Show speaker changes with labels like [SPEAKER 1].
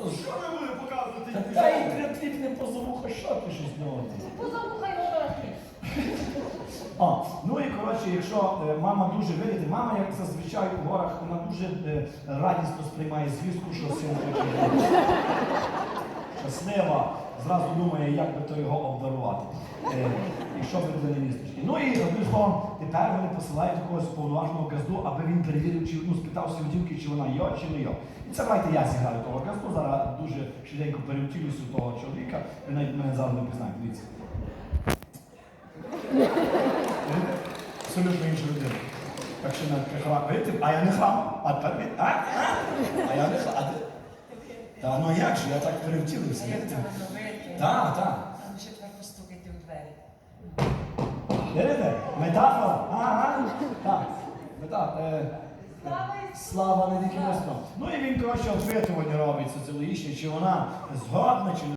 [SPEAKER 1] Що ви будете показувати?
[SPEAKER 2] Та й тряпніть не позовуха, що ти щось з нього?
[SPEAKER 3] Позовуха його трохи.
[SPEAKER 2] Ну і коротше, якщо мама дуже вірить, мама, як зазвичай у горах, вона дуже радісно сприймає звістку, що син хоче жити. Щаслива, зразу думає, як би то його обдарувати. І що би для невісточки. Ну і одним словом, тепер вони посилають якогось повноважного газду, аби він перевірив, чи спитався у дівки, чи вона йо, чи не йо. І це давайте я зіграю того газду, зараз дуже швиденько перевтілюся у того чоловіка, ви навіть мене зараз не пізнаєте, дивіться. Абсолютно інша людина. Так що не храм. Видите? А я не храм. А тепер ви? А я не храм. Та ну як же, я так перевтілився. Так, так.
[SPEAKER 3] А ще тепер постукайте у двері.
[SPEAKER 2] Видите? Метафора. Ага. Так. Метафора. Слава не тільки Христу. Ну і він, коротше, опитування робить соціологічне, чи вона згодна, чи не